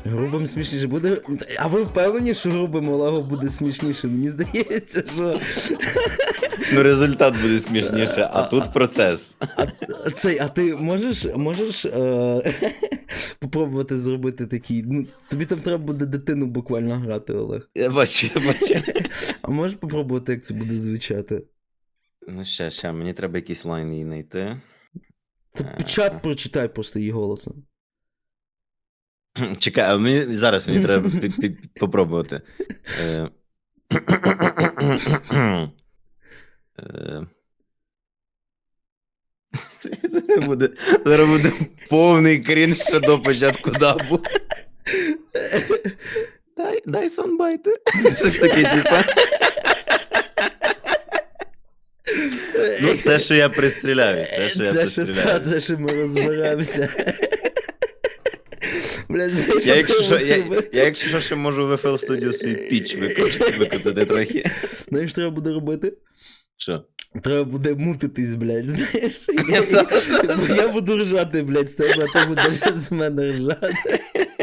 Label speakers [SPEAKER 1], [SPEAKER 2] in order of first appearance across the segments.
[SPEAKER 1] Грубим смішніше буде. А ви впевнені, що грубим Олегу буде смішніше? Мені здається, що.
[SPEAKER 2] Ну, результат буде смішніше, а тут процес.
[SPEAKER 1] А ти можеш попробувати зробити такий. Ну, тобі там треба буде дитину буквально грати, Олег.
[SPEAKER 2] Я бачу.
[SPEAKER 1] А можеш попробувати, як це буде звучати?
[SPEAKER 2] Ну, ще, мені треба якийсь лайн її знайти.
[SPEAKER 1] Чат прочитай просто її голосом.
[SPEAKER 2] Чекай, а мені треба попробувати. Зараз буде повний крінж ще до початку дабу. Дай сонбайти. Щось таке, типа. Ну, це, що я пристріляю.
[SPEAKER 1] Це, що ми розберемося. Бля, знаєш,
[SPEAKER 2] я, якщо що, ще можу в FL Studio свій піч викотати трохи.
[SPEAKER 1] Знаєш, треба буде робити?
[SPEAKER 2] Що?
[SPEAKER 1] Треба буде мутитись, блядь, знаєш? Я буду ржати, блядь, з тебе, а ти будеш з мене ржати.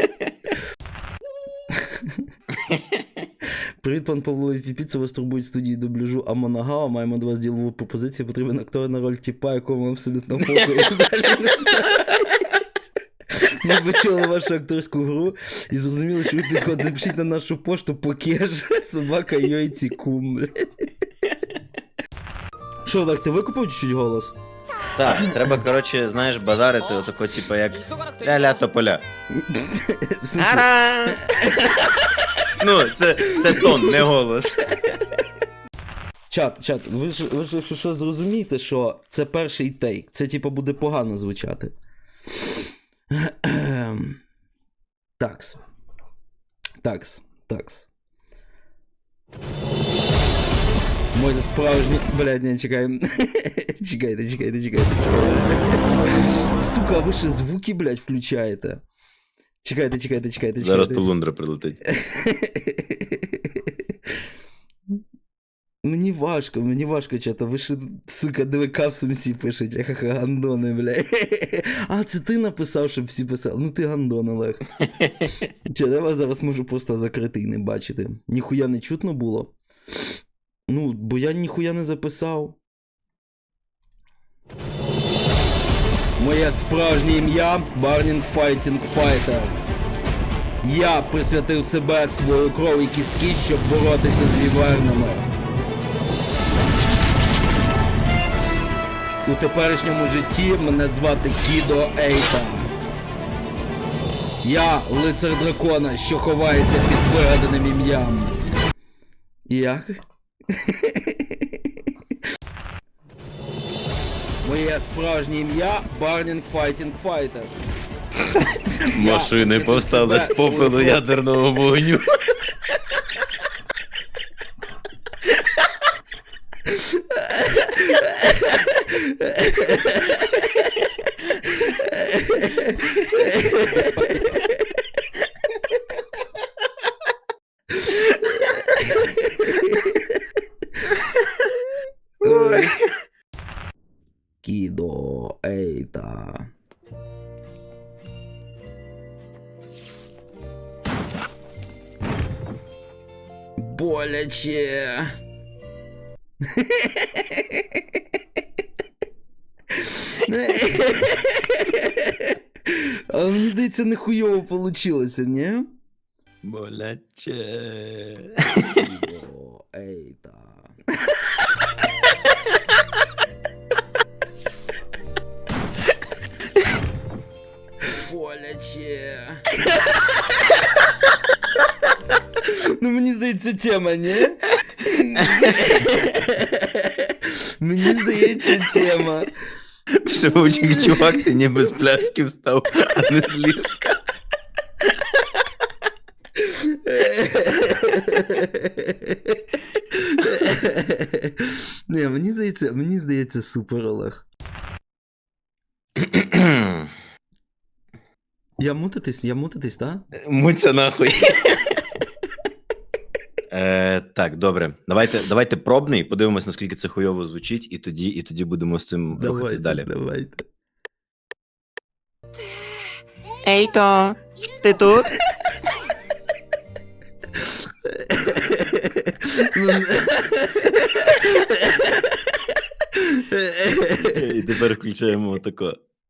[SPEAKER 1] Привіт, пан Павло і Фіпі, це вас турбують студії дубляжу Амонагава. Маємо до вас ділову пропозицію. Потрібен актор на роль тіпа, якому абсолютно похуй взагалі не знають. Ми почули вашу акторську гру і зрозуміли, що ви підходите. Напишіть на нашу пошту покеж, собака йойці кум, блядь. Що, Олег, ти викупив чуть-чуть голос?
[SPEAKER 2] Так, треба, коротше, знаєш, базарити отако, типу, як ля-ля тополя.
[SPEAKER 1] В смысле?
[SPEAKER 2] Ара! Ну, це тон, не голос.
[SPEAKER 1] Чат, ви ж що зрозумієте, що це перший тейк. Це, типу, буде погано звучати. Такс. Мой справжній... Блядь, не, чекаємо. Чекайте. Сука, ви ще звуки, блядь, включаєте. Чекайте.
[SPEAKER 2] Зараз полундра прилетить.
[SPEAKER 1] Мені важко, чата, ви ще, сука, диви, капсом всі пишете, ха-ха, гандони, блядь. А, це ти написав, щоб всі писали. Ну ти гандон, Олег. Чата, я вас зараз можу просто закрити і не бачити. Ніхуя не чутно було. Ну, бо я ніхуя не записав. Моє справжнє ім'я Burning Fighting Fighter. Я присвятив себе, свою кров і кістки, щоб боротися з вівернами. У теперішньому житті мене звати Кідо Ейта. Я лицар дракона, що ховається під вигаданим ім'ям. Як? Моє справжнє ім'я Burning Fighting Fighter.
[SPEAKER 2] Машини повстали з попелу ядерного вогню.
[SPEAKER 1] Кідо Ейта. Боляче. Але мені здається, нехуйово получилося, ні?
[SPEAKER 2] Боляче.
[SPEAKER 1] Кідо Ейта. Боляче. Ну, мені здається, тема, ні? Мені здається, тема.
[SPEAKER 2] Шибучик, чувак, ти ніби з пляшки встав, а не з ліжка.
[SPEAKER 1] Не, мені здається, супер, Олег. Я мутитись, так?
[SPEAKER 2] Муться нахуй. Так, добре. Давайте пробний, подивимось, наскільки це хуйово звучить, і тоді будемо з цим рухатись далі.
[SPEAKER 1] Давайте.
[SPEAKER 2] Ейто, ти тут? І тепер включаємо отако.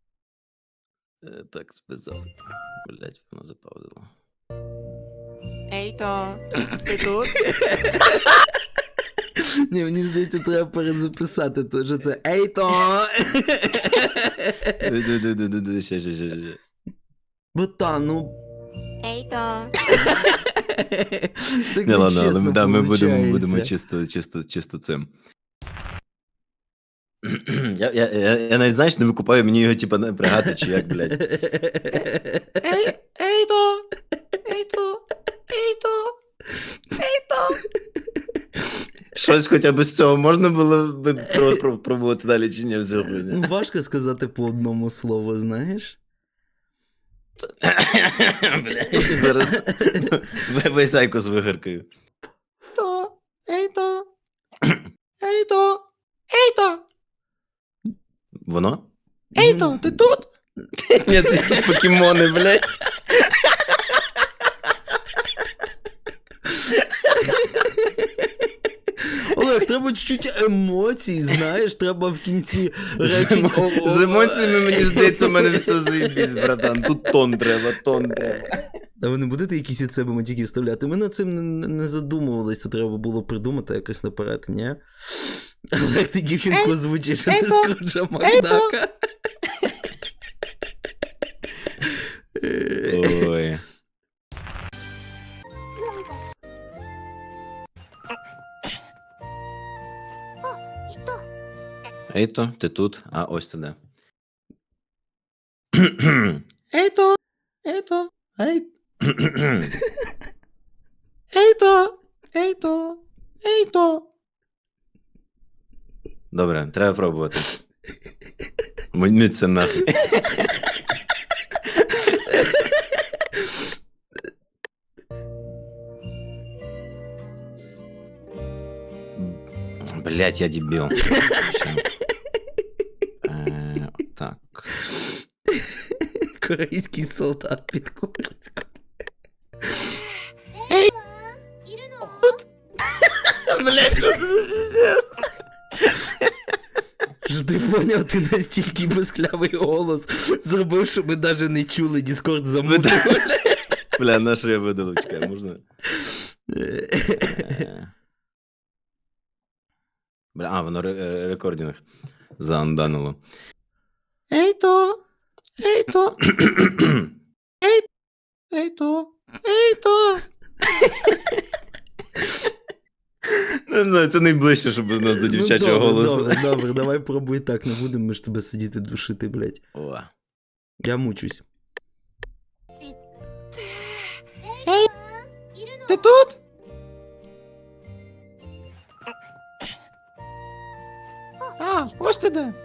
[SPEAKER 2] Так, списав. Блять, воно запаузило.
[SPEAKER 3] Ейто, ти тут?
[SPEAKER 1] Ні, мені здається, треба перезаписати, то що це Ейто!
[SPEAKER 2] Ще.
[SPEAKER 1] Ботан, ну...
[SPEAKER 3] Ейто.
[SPEAKER 1] Так
[SPEAKER 2] Не, ладно, але
[SPEAKER 1] нечесно
[SPEAKER 2] да, ми будемо
[SPEAKER 1] получається.
[SPEAKER 2] чисто цим. Я навіть, знаєш, не викупаю, мені його, типа, напрягати, чи як, блядь.
[SPEAKER 3] Ейто. Ейто. Ейто. Ейто.
[SPEAKER 2] Щось хоча б з цього можна було б пробувати далі, чи ні, все хуйня.
[SPEAKER 1] Ну, важко сказати по одному слову, знаєш?
[SPEAKER 2] Блядь, зараз весь Айкос вигаркаю.
[SPEAKER 3] Ейто. Ейто. Ейто. Ейто.
[SPEAKER 2] Воно?
[SPEAKER 3] Ейто, ти тут?
[SPEAKER 2] Ні, це якісь покемони, блядь.
[SPEAKER 1] Олег, треба чуть-чуть емоцій, знаєш, треба в кінці речень...
[SPEAKER 2] З емоціями, мені здається, у мене все заєбісь, братан. Тут тон треба.
[SPEAKER 1] А ви не будете якісь від себе мотики вставляти? Ми над цим не задумувались, то треба було придумати якось наперед, ні? Олег, ти дівчинку озвучиш, а не Скруджа Макдака.
[SPEAKER 2] Ой. Ейто, ти тут? А, ось ти де.
[SPEAKER 3] Ейто. Ейто. Ейто. Ейто. Ейто.
[SPEAKER 2] Добре, треба пробувати. Мені це нахуй. Блять, я дебіл. Так.
[SPEAKER 1] Корейський солдат під Курськом.
[SPEAKER 2] Блять,
[SPEAKER 1] Що ти поняв, ти настільки безклявий голос зробив, що ми навіть не чули, Діскорд замутив.
[SPEAKER 2] бля, на що я видалив, чекай, можна? Бля, а, воно рекординг заанданило.
[SPEAKER 3] Ейто. Ейто. Ейто. Ейто.
[SPEAKER 2] Не знаю, це найближче, щоб у нас до дівчачого голосу.
[SPEAKER 1] Добре, давай пробуй так, не будемо ми ж тебе сидіти душити, блядь.
[SPEAKER 2] О.
[SPEAKER 1] Я мучусь.
[SPEAKER 3] Ти тут? А, ось ти де.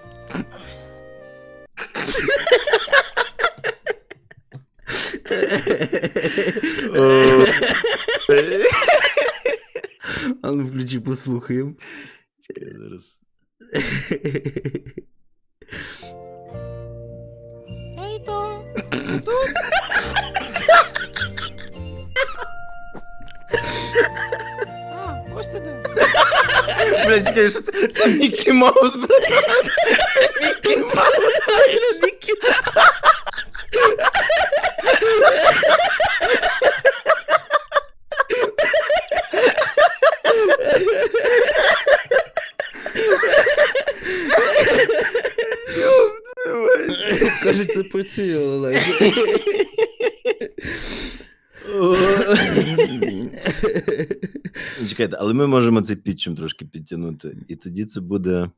[SPEAKER 1] А ну включи, послухаємо.
[SPEAKER 2] Чекай, зараз.
[SPEAKER 3] Ейто. Ти тут? А, ось ти де.
[SPEAKER 2] Бля, чекай, що це Мікі Маус, братан. Це Мікі Маус.
[SPEAKER 1] Кажуть, це працює, Олег.
[SPEAKER 2] Чекайте, але ми можемо це підчим трошки підтягнути. І тоді це буде.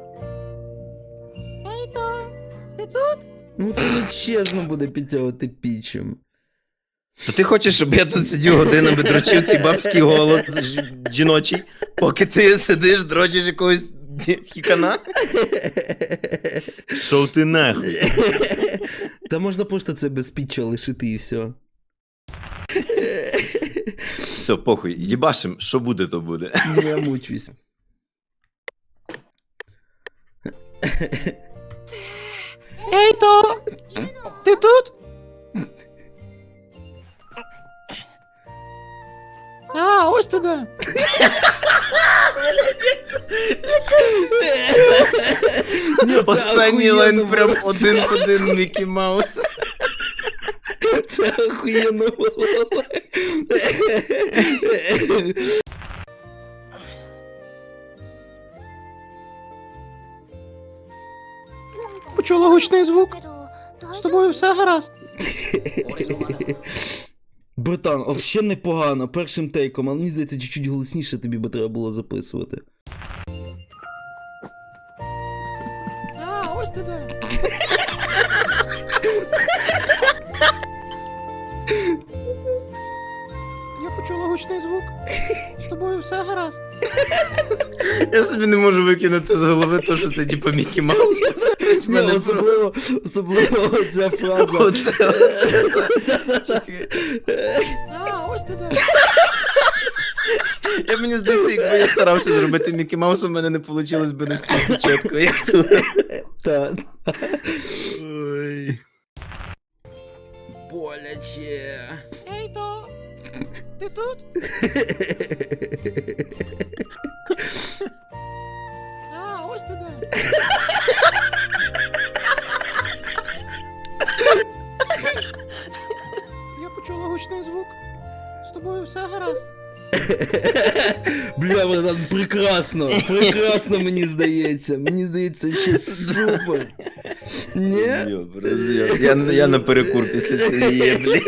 [SPEAKER 3] Ейто. Ти тут?
[SPEAKER 1] Ну це не чесно буде підтягувати пічем.
[SPEAKER 2] То ти хочеш, щоб я тут сидів годинами, дрочив цей бабський голос жіночий, поки ти сидиш, дрочиш якогось хікана? Шов ти нахуй.
[SPEAKER 1] Та можна просто це без піча лишити і все.
[SPEAKER 2] Все, похуй, їбашим, що буде, то буде.
[SPEAKER 1] Я мучусь.
[SPEAKER 3] Ейто. Ти тут? А, ось ти де.
[SPEAKER 1] Ні, це
[SPEAKER 2] Останній
[SPEAKER 1] охуєнно
[SPEAKER 2] лайн
[SPEAKER 1] було.
[SPEAKER 2] прям один в один Мікі Маус.
[SPEAKER 1] Це охуєнно було.
[SPEAKER 3] Почула гучний звук. З тобою все гаразд.
[SPEAKER 1] Братан, взагалі непогано, першим тейком, але мені здається, чуть-чуть голосніше тобі би треба було записувати.
[SPEAKER 3] А, ось ти де. Я почула гучний звук. З тобою все гаразд.
[SPEAKER 2] Я собі не можу викинути з голови то, що це типу Мікі Маус.
[SPEAKER 1] Ні, особливо ця фраза.
[SPEAKER 2] Оце. Чекай.
[SPEAKER 3] А, ось ти де.
[SPEAKER 2] Мені здається, якби я старався зробити Мікі Маус, у мене не вийшло б настільки чітко, як тут.
[SPEAKER 1] Та.
[SPEAKER 2] Ой.
[SPEAKER 1] Боляче.
[SPEAKER 3] Ей, то. Ти тут? А, ось ти де. Я почула гучний звук. З тобою все гаразд.
[SPEAKER 1] Бля, братан, прекрасно. Прекрасно, мені здається. Мені здається, взагалі супер. Ні?
[SPEAKER 2] Роз'єб. Я на перекур після цієї, блін.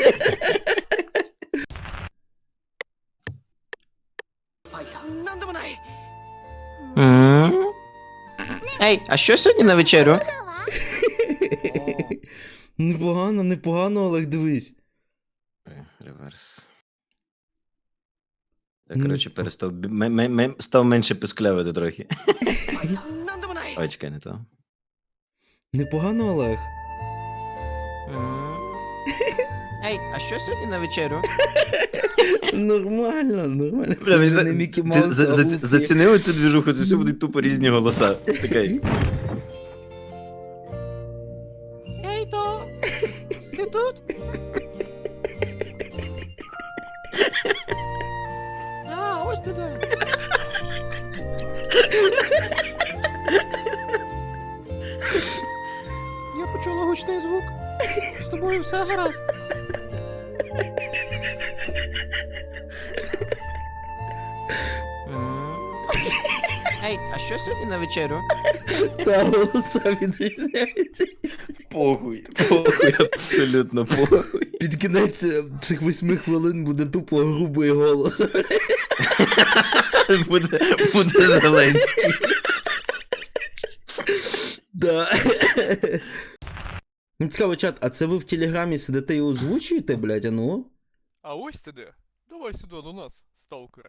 [SPEAKER 2] Ей, а що сьогодні на вечерю?
[SPEAKER 1] Непогано, непогано, Олег, дивись.
[SPEAKER 2] Реверс. Я, коротше, перестав. Став менше писклявити трохи. Ой, чекай, не то.
[SPEAKER 1] Непогано, Олег.
[SPEAKER 2] Ей, а що сьогодні на вечерю?
[SPEAKER 1] Нормально, нормально.
[SPEAKER 2] Бля,
[SPEAKER 1] Це
[SPEAKER 2] мені
[SPEAKER 1] вже
[SPEAKER 2] зда-
[SPEAKER 1] не Мікі
[SPEAKER 2] ти
[SPEAKER 1] Маус, а Гуфі.
[SPEAKER 2] зацінили цю двіжуху, це все будуть тупо різні голоса. Такий.
[SPEAKER 3] Ей, то. Ти тут? А, ось ти де. Я почула гучний звук. З тобою все гаразд.
[SPEAKER 2] Ей, а що сьогодні на вечерю?
[SPEAKER 1] Та голоса відрізняються.
[SPEAKER 2] Похуй, абсолютно похуй.
[SPEAKER 1] Під кінець цих 8 хвилин буде тупо грубий голос.
[SPEAKER 2] Буде Зеленський.
[SPEAKER 1] Да. Ну цікаво, чат, а це ви в Телеграмі сидите і озвучуєте, блядь, а ну?
[SPEAKER 4] А ось ти де? Давай сюди до нас, сталкере.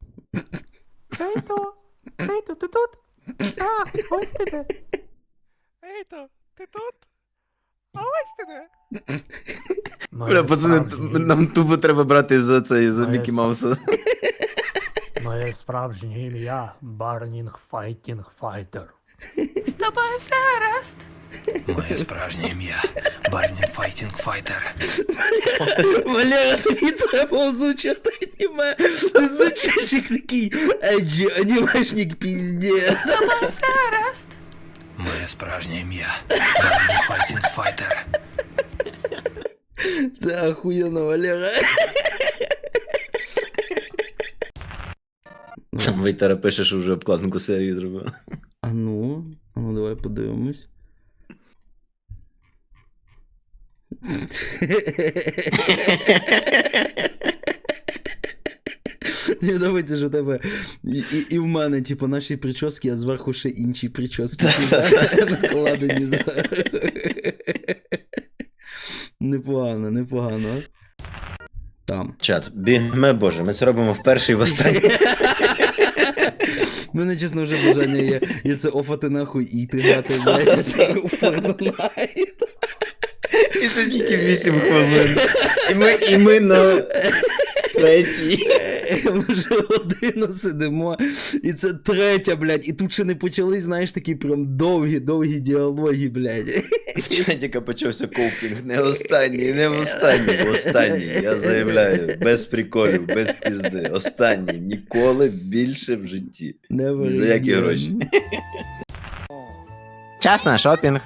[SPEAKER 3] Ей, то, ти тут? А, ось ти де.
[SPEAKER 4] Ейто, ти тут? А ось ти де?
[SPEAKER 2] Бля, пацани, нам тупо треба брати за цей, за
[SPEAKER 5] Моє
[SPEAKER 2] Мікі Мауса.
[SPEAKER 5] Моє справжнє ім'я Барнінг Файтінг Файтер.
[SPEAKER 6] З тобою все гаразд.
[SPEAKER 7] Моє справжнє ім'я Барнін Файтінг Файтер.
[SPEAKER 1] Валера, тобі треба озвучувати аніме. Ти звучиш як такий еджі анімешник піздець.
[SPEAKER 6] З тобою все гаразд.
[SPEAKER 7] Моє справжнє ім'я Барнін Файтінг Файтер.
[SPEAKER 1] Це охуєнно, Валера.
[SPEAKER 2] Там Вейтера пише, що вже обкладинку серії зробив.
[SPEAKER 1] А ну, давай подивимось. Мені подобається, що в тебе і в мене, типу, наші прически, а зверху ще інші прически. Накладені. Непогано, непогано. Там.
[SPEAKER 2] Чат, бігме, боже, ми це робимо вперше і востаннє.
[SPEAKER 1] У мене, чесно, вже бажання є це офати нахуй і йти грати, блядь, це у Fortnite.
[SPEAKER 2] І це тільки 8 хвилин. І ми на третій.
[SPEAKER 1] Ми вже годину сидимо, і це третя, блядь, і тут ще не почались, знаєш, такі прям довгі діалоги, блядь.
[SPEAKER 2] Чатіка почався коупінг. Не останній, не останній. Останній, я заявляю. Без приколів, без пізди. Останній. Ніколи більше в житті.
[SPEAKER 1] Never
[SPEAKER 2] Ні за які
[SPEAKER 1] again.
[SPEAKER 2] гроші.
[SPEAKER 3] Час на шопінг.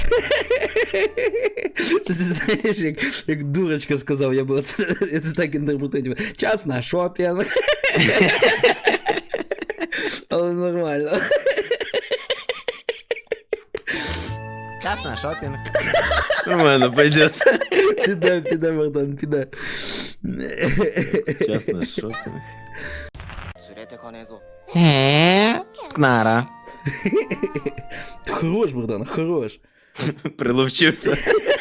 [SPEAKER 1] Ти знаєш, як дурочка сказав, я це так інтерпретую. Час на шопінг. Але нормально.
[SPEAKER 3] Час на шопінг.
[SPEAKER 2] Нормально, пойдет.
[SPEAKER 1] Піде, Богдан, піде.
[SPEAKER 2] Чесно, шопінг.
[SPEAKER 3] Скнара.
[SPEAKER 1] Хорош, Богдан, хорош.
[SPEAKER 2] Приловчився.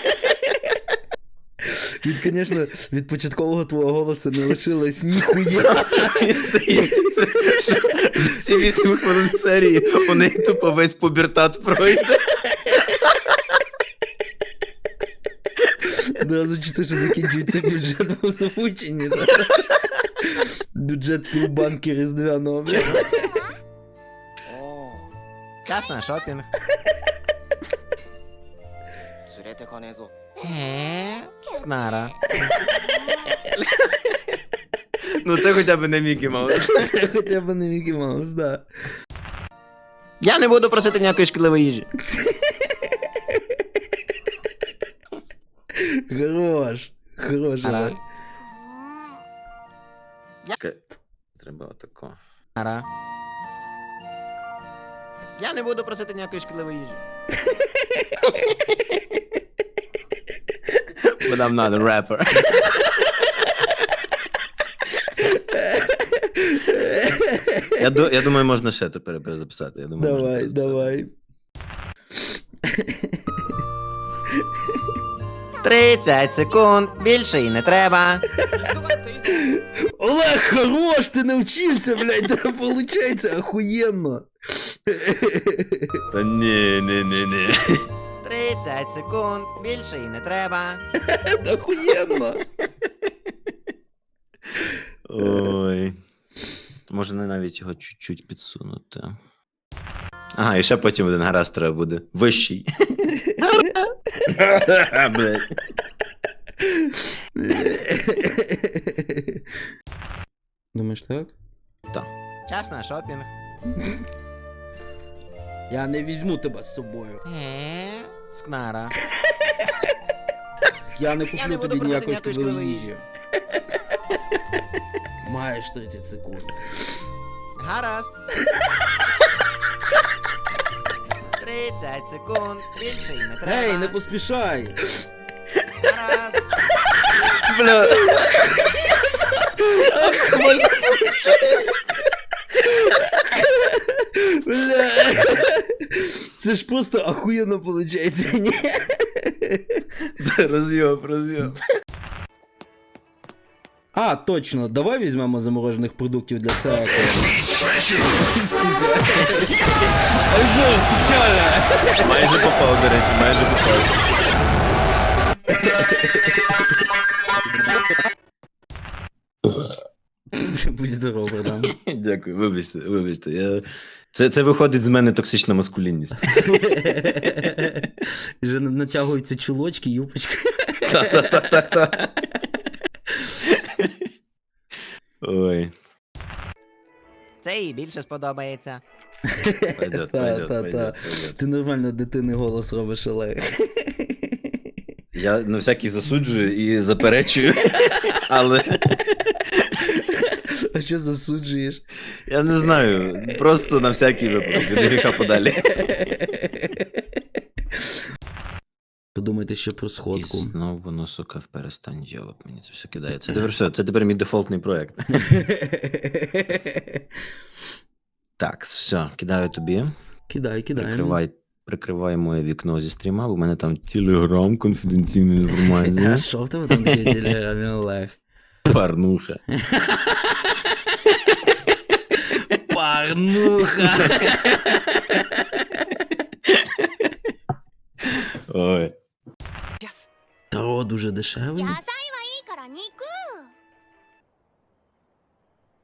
[SPEAKER 1] Звісно, від початкового твого голосу не лишилось ніхуя.
[SPEAKER 2] Мені здається, що за ці 8 хвилин серії у неї тупо весь пубертат пройде.
[SPEAKER 1] Одразу чути, що закінчується бюджет в озвученні. Бюджет півбанки різдвяного.
[SPEAKER 3] Час на шопінг. Скнара.
[SPEAKER 2] Ну це хоча б не Мікі Маус.
[SPEAKER 1] Це хоча б не Мікі Маус, да.
[SPEAKER 3] Я не буду просити ніякої шкідливої їжі.
[SPEAKER 1] Хорош. Хорош,
[SPEAKER 3] Ара.
[SPEAKER 2] Чекай, треба отако.
[SPEAKER 3] Скнара. Я не буду просити ніякої шкідливої їжі.
[SPEAKER 2] But I'm not a rapper. Я думаю, можна ще тепер перезаписати. Я думаю, можна перезаписати.
[SPEAKER 1] Давай.
[SPEAKER 3] 30 секунд, більше і не треба.
[SPEAKER 1] Олег, хорош, ти навчився, блядь, це получається охуєнно.
[SPEAKER 2] Та ні.
[SPEAKER 3] 30 секунд, більше і не треба.
[SPEAKER 1] Це охуєнно.
[SPEAKER 2] Ой. Можна навіть його чуть-чуть підсунути. Ага, і ще потім один гаразд треба буде. Вищий. Блядь.
[SPEAKER 1] Думаєш так?
[SPEAKER 3] Час на шопінг.
[SPEAKER 1] Я не візьму тебе з собою.
[SPEAKER 3] Скнара.
[SPEAKER 1] Я не
[SPEAKER 3] Я
[SPEAKER 1] куплю
[SPEAKER 3] не буду
[SPEAKER 1] тобі
[SPEAKER 3] просити
[SPEAKER 1] ніякої
[SPEAKER 3] ніякої
[SPEAKER 1] шкідливої
[SPEAKER 3] шкідливої
[SPEAKER 1] їжі. Маєш 30 секунд.
[SPEAKER 3] Гаразд. 30 секунд, більше і не треба.
[SPEAKER 1] Ей, не поспішай!
[SPEAKER 3] Гаразд.
[SPEAKER 2] Бля.
[SPEAKER 1] Бля. Це ж просто охуєнно виходить, ні?
[SPEAKER 2] Роз'єб.
[SPEAKER 1] А, точно, давай візьмемо заморожених продуктів для секу. Альбом, сучара!
[SPEAKER 2] Майже попав, до речі, майже попав.
[SPEAKER 1] Будь здоров, Богдан.
[SPEAKER 2] Дякую, вибачте. Це виходить з мене токсична маскулінність.
[SPEAKER 1] Вже натягуються чулочки, юпочки.
[SPEAKER 2] Та-та-та-та-та. Ой.
[SPEAKER 3] Це їй більше сподобається.
[SPEAKER 2] Пойдет.
[SPEAKER 1] Ти нормально дитини голос робиш, Олег.
[SPEAKER 2] Я на всякий засуджую і заперечую, але
[SPEAKER 1] А що засуджуєш?
[SPEAKER 2] я не знаю, просто на всякий випадок, від гріха подалі.
[SPEAKER 1] Подумайте ще про
[SPEAKER 2] І
[SPEAKER 1] сходку.
[SPEAKER 2] знову воно, сука, в перестань йолоп, мені це все кидає. Це тепер все, це тепер мій дефолтний проект. Так, все, кидаю тобі.
[SPEAKER 1] Кидай.
[SPEAKER 2] Прикривай моє вікно зі стріма, бо в мене там телеграм, конфіденційна
[SPEAKER 1] А
[SPEAKER 2] інформація.
[SPEAKER 1] що в тебе там таке в телеграмі, Олег?
[SPEAKER 2] Парнуха.
[SPEAKER 1] Парнуха!
[SPEAKER 2] Ой.
[SPEAKER 1] Таро дуже дешевий.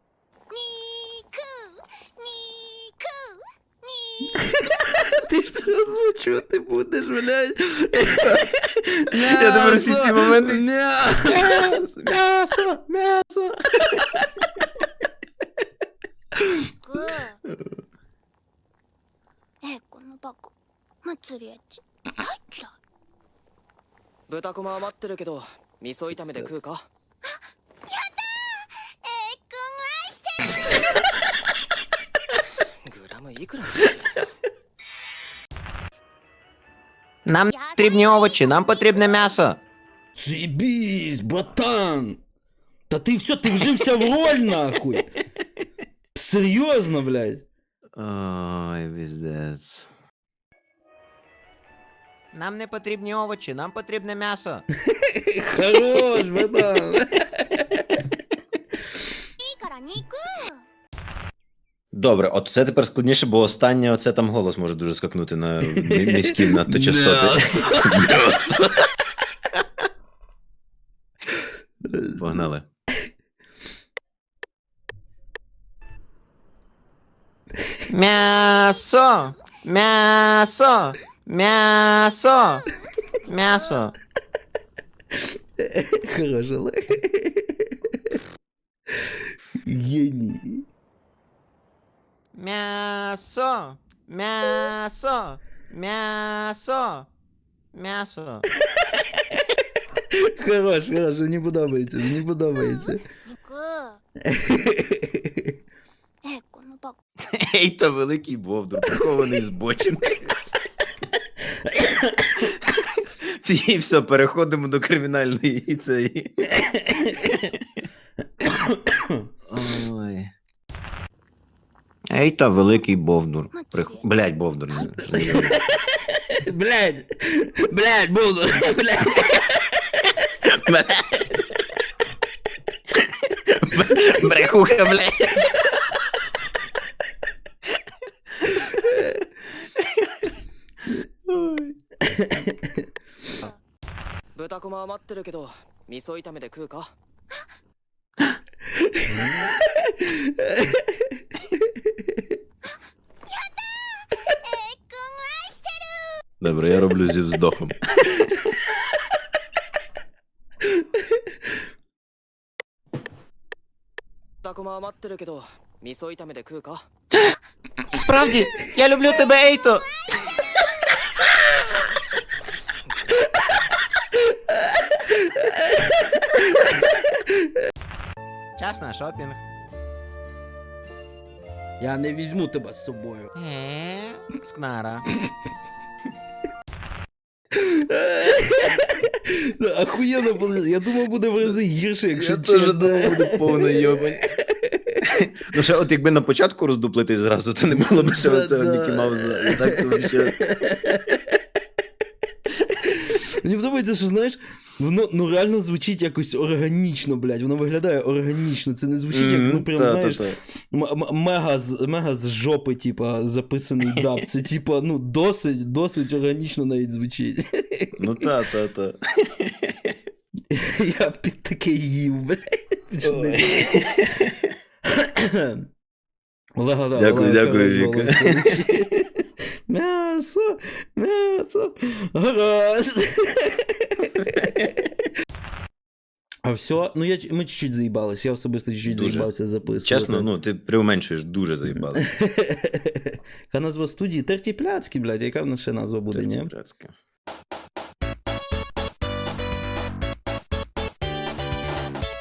[SPEAKER 1] Чого ти будеш, блядь?
[SPEAKER 2] Я тепер всі ці моменти-
[SPEAKER 1] М'ясо!
[SPEAKER 2] М'ясо, м'ясо.
[SPEAKER 8] このバカ祭りエッチ大嫌い
[SPEAKER 9] 豚こま余ってるけど味噌炒めで食うか。グラムいくら？
[SPEAKER 3] Нам не потрібні овочі, нам потрібне м'ясо.
[SPEAKER 1] Заебись, братан! Та ти все, ти вжився в роль, нахуй! Серйозно, блядь?
[SPEAKER 2] Ой, пиздец.
[SPEAKER 3] Нам не потрібні овочі, нам потрібне м'ясо.
[SPEAKER 1] Хорош, братан!
[SPEAKER 8] いいから肉
[SPEAKER 2] Добре, от це тепер складніше, бо останнє оце там голос може дуже скакнути на низькі надто частоти. М'ясо. Погнали.
[SPEAKER 3] М'ясо! М'ясо! М'ясо! М'ясо!
[SPEAKER 1] Хорош, Олег. Геній.
[SPEAKER 3] М'ясо! М'ясо! М'ясо! М'ясо!
[SPEAKER 1] Хорош, хорош, мені подобається, мені подобається.
[SPEAKER 8] 肉このバカ
[SPEAKER 2] Ей, та великий бовдур, прихований збочинний. І все, переходимо до кримінальної цієї. Ой. Ей, та великий бовдур. Блядь, бовдур.
[SPEAKER 1] Блядь, блядь, буду, блядь.
[SPEAKER 2] Брехуха, блядь. Ой.
[SPEAKER 9] 豚こま余ってるけど味噌炒めで食うか。
[SPEAKER 2] Добре, я роблю зі вздохом.
[SPEAKER 3] Справді, я люблю тебе, Ейто! Час на шопінг.
[SPEAKER 1] Я не візьму тебе з собою.
[SPEAKER 3] Скнара.
[SPEAKER 1] Охуєнно буде. Я думав, буде в рази гірше, якщо
[SPEAKER 2] Я теж
[SPEAKER 1] чесно.
[SPEAKER 2] думав, буде повна йобань. Ну ще от якби на початку роздуплити зразу, то не було б ще оцього Мікі Мауза. І так то ще...
[SPEAKER 1] Мені подобається, що, знаєш, воно ну реально звучить якось органічно, блядь. Воно виглядає органічно. Це не звучить як, ну прям, знаєш, мега з жопи, типа, записаний даб. Це, типа, ну, досить органічно навіть звучить.
[SPEAKER 2] Ну та.
[SPEAKER 1] Я під таке їв, блядь. Олега, да,
[SPEAKER 2] Дякую, Віка.
[SPEAKER 1] М'ясо, гаразд. А все, ну ми чуть-чуть заїбались, я особисто чуть-чуть
[SPEAKER 2] Дуже.
[SPEAKER 1] заїбався записувати.
[SPEAKER 2] Чесно, ну ти преуменшуєш, дуже заїбали.
[SPEAKER 1] Яка назва студії? Тертіпляцький, блядь, яка в нас ще назва буде, ні?
[SPEAKER 2] Тертіпляцьке.